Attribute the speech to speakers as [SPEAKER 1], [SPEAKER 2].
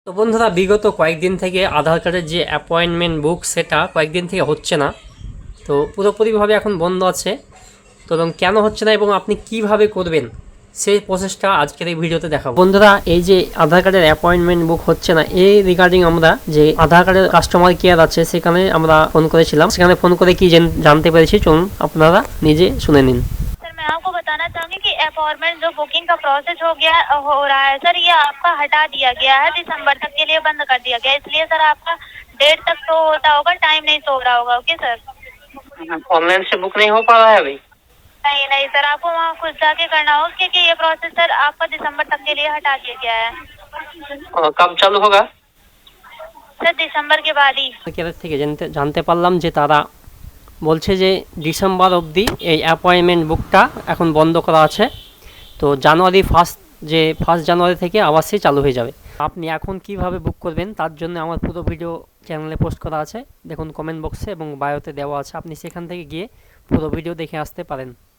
[SPEAKER 1] তো বন্ধুরা বিগত কয়েকদিন থেকে আধার কার্ডের যে অ্যাপয়েন্টমেন্ট বুক সেটা কয়েকদিন থেকে হচ্ছে না। তো পুরোপুরিভাবে এখন বন্ধ আছে। তো এবং কেন হচ্ছে না এবং আপনি কিভাবে করবেন সেই প্রসেসটা আজকের এই ভিডিওতে দেখাবো। বন্ধুরা এই যে আধার কার্ডের অ্যাপয়েন্টমেন্ট বুক হচ্ছে না, এই রিগার্ডিং আমরা যে আধার কার্ডের কাস্টমার কেয়ার আছে সেখানে আমরা ফোন করেছিলাম। সেখানে ফোন করে কি জানতে পেরেছি চলুন আপনারা নিজে শুনে নিন।
[SPEAKER 2] मैं आपको बताना चाहूंगी कि अपॉइंटमेंट जो बुकिंग का प्रोसेस हो रहा है सर, ये आपका हटा दिया गया है, दिसंबर तक के लिए बंद कर दिया गया है। इसलिए सर आपका डेट तक शो होता होगा, टाइम नहीं शो हो रहा होगा। ओके सर,
[SPEAKER 1] ऑनलाइन से बुक नहीं हो पा रहा है अभी?
[SPEAKER 2] नहीं नहीं सर, आपको वहाँ खुद जाके करना होगा क्योंकि ये प्रोसेस सर आपका दिसंबर तक के लिए हटा दिया गया है।
[SPEAKER 1] कब चालू होगा?
[SPEAKER 2] सर दिसंबर के बाद ही।
[SPEAKER 1] কেয়ার থেকে জানতে পারলাম যে তারা বলছে যে ডিসেম্বর অবধি এই অ্যাপয়েন্টমেন্ট বুকটা এখন বন্ধ করা আছে। তো ফার্স্ট জানুয়ারি থেকে আবার সে চালু হয়ে যাবে। আপনি এখন কিভাবে বুক করবেন তার জন্য আমার পুরো ভিডিও চ্যানেলে পোস্ট করা আছে, দেখুন কমেন্ট বক্সে এবং বায়োতে দেওয়া আছে, আপনি সেখান থেকে গিয়ে পুরো ভিডিও দেখে আসতে পারেন।